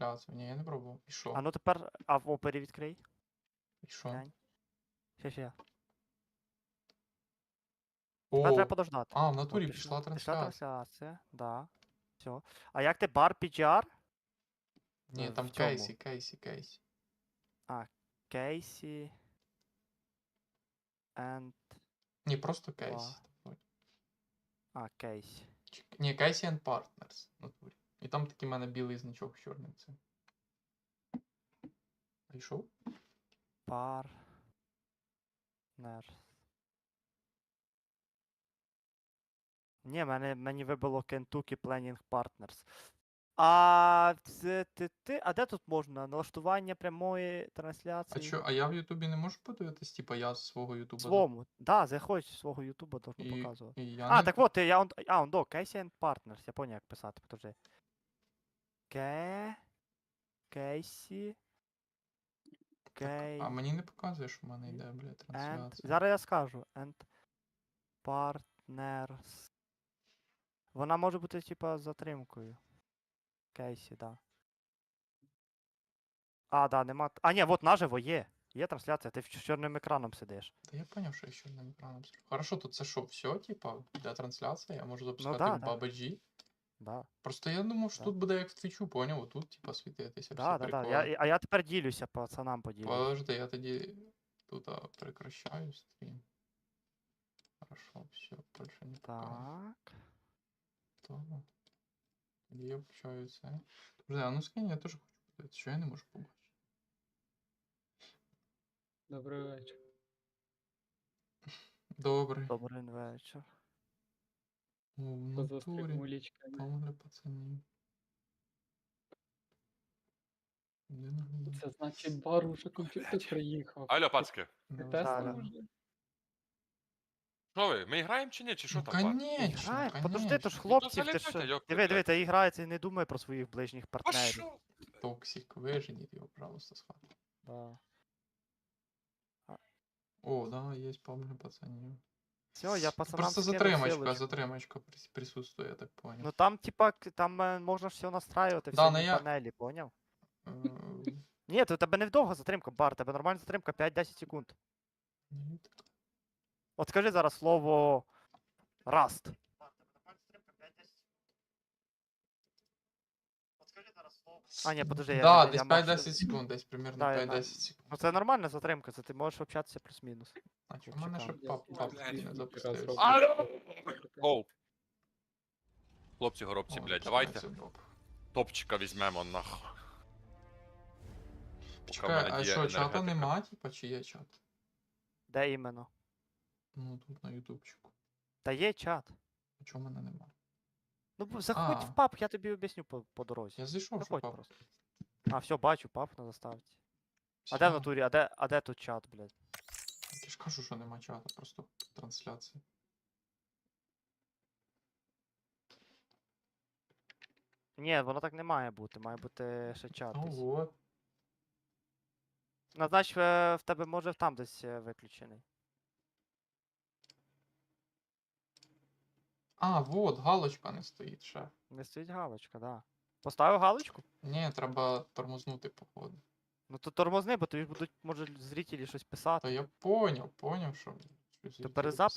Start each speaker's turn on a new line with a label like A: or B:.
A: трансляцію. Ні, я не пробував. І що?
B: А ну тепер, а в опері відкрий.
A: І що?
B: Глянь. Ще. Тепер
A: О,
B: треба подождати.
A: а, в
B: О,
A: натурі пішла
B: Пішла
A: трансляція.
B: трансляція, да. Все. А як ти бар PGR?
A: Ні,
B: в
A: там
B: цьому.
A: Кейсі.
B: Кейсі. And...
A: Ні, просто Кейсі.
B: Кейсі.
A: Ні, Кейсі and Partners в натурі. І там такий в мене білий значок з чорним цим. Зайшов?
B: Партнер. Ні, мені вибило Kentucky Planning Partners. А де тут можна? Налаштування прямої
A: А
B: трансляції?
A: що, а я в Ютубі не можу подивитись, типа я з свого Ютуба.
B: Свому. Да, заходь з свого Ютуба, должно
A: І
B: показувати.
A: я
B: А,
A: не...
B: так от, я Casey and Partners, я поняв, як писати, подожди. Кейсі.
A: А мені не показує, що в мене йде, блядь, трансляція.
B: Зараз я скажу. And Partners. Вона може бути, типа, з затримкою. Кейсі, да. А, да, нема. А, ні, от наживо є. Є трансляція, ти з чорним екраном сидиш.
A: Та я поняв, що я ще одним екраном сижу. Хорошо, тут це що, все, типа, для трансляції? Я можу запускати
B: да,
A: в
B: да.
A: BabaG?
B: Да.
A: Просто я думав, що
B: Да.
A: тут буде як в Твічу, поняв? Отут, типа, світитися,
B: Да,
A: всі
B: да, да.
A: приколи.
B: А я тепер ділюся, пацанам поділюсь.
A: Подожди, я тоді тут прекращаю стрім. Хорошо, все, більше не показує.
B: Так.
A: То. Тоді я включаю це. Подожди, а ну скинь, я теж хочу подивитися, що я не можу побачити.
C: Добрий вечір.
A: Добре.
B: Добрий вечір.
A: О, в
C: Поза
A: натурі.
C: стрімулічками.
A: Помогли пацанів. Де наглядати?
C: Це значить бар уже комп'ютер приїхав.
D: Алло, пацки.
C: Ти
A: Да,
C: тестив
B: да.
C: уже?
D: Що ви? Ми граємо чи ні? Чи що
A: Ну,
D: там, пацки?
A: конечно,
B: Грає, подожди, то ж
A: конечно.
B: хлопці, ти
D: залітайте,
B: що?
D: йопта,
B: Диви,
D: блядь.
B: та грається і не думає про своїх ближніх
D: А
B: партнерів.
D: що?
A: Токсик, виженіть його, пожалуйста, з хати.
B: Да.
A: О, да, є помогли пацанів.
B: Все, я
A: Тут
B: пацанам
A: просто
B: скинув
A: затримочка
B: ссылочку.
A: присутствує, я так понял.
B: Ну там, типа, там можна ж все настраювати,
A: Да,
B: всі
A: ну я-
B: панелі, поняв?
A: Е,
B: Ні, то у тебе не вдовга затримка, бар, у тебе нормальна затримка 5-10 секунд.
A: ну,
B: От скажи зараз слово Rust. А, ні, подожди,
A: Да,
B: я
A: десь
B: мав
A: 5-10 секунд, десь примерно
B: Да, я
A: 5-10 секунд.
B: Ну це нормальна затримка, це ти можеш общатися плюс-мінус.
A: А чому в мене ще
B: чекав.
A: пап
C: Я
A: не
C: раз
A: запустився?
C: роблю.
D: Алло! Оу. Хлопці, горобці,
A: О,
D: блядь,
A: починається
D: давайте.
A: доп.
D: Топчика візьмемо нахуй. Поки в
A: Чекай,
D: мене
A: а
D: діє
A: що, чата
D: енергетика.
A: нема, типа, чи є чат?
B: Де іменно?
A: Ну, тут на ютубчику.
B: Та є чат.
A: А чого в мене нема?
B: Ну заходь
A: А.
B: в паб, я тобі об'ясню по дорозі.
A: Я зайшов, що
B: Заходь
A: пап.
B: просто. А, все, бачу, паб на заставці. А де
A: Всё.
B: в натурі, а де тут чат, блядь?
A: Я ж кажу, що нема чата, просто трансляція.
B: Ні, воно так не має бути, має бути ще чат
A: Ну
B: десь.
A: вот.
B: Назнач, в тебе може там десь виключений.
A: А, вот, галочка не стоїть ще.
B: Не стоїть галочка, да. Поставив галочку?
A: Ні, треба тормознути, походу.
B: Ну то тормозни, бо тобі будуть, може, зрителі щось
A: Та
B: писати.
A: я поняв, що... щось
B: То
A: хотіли
B: перезапис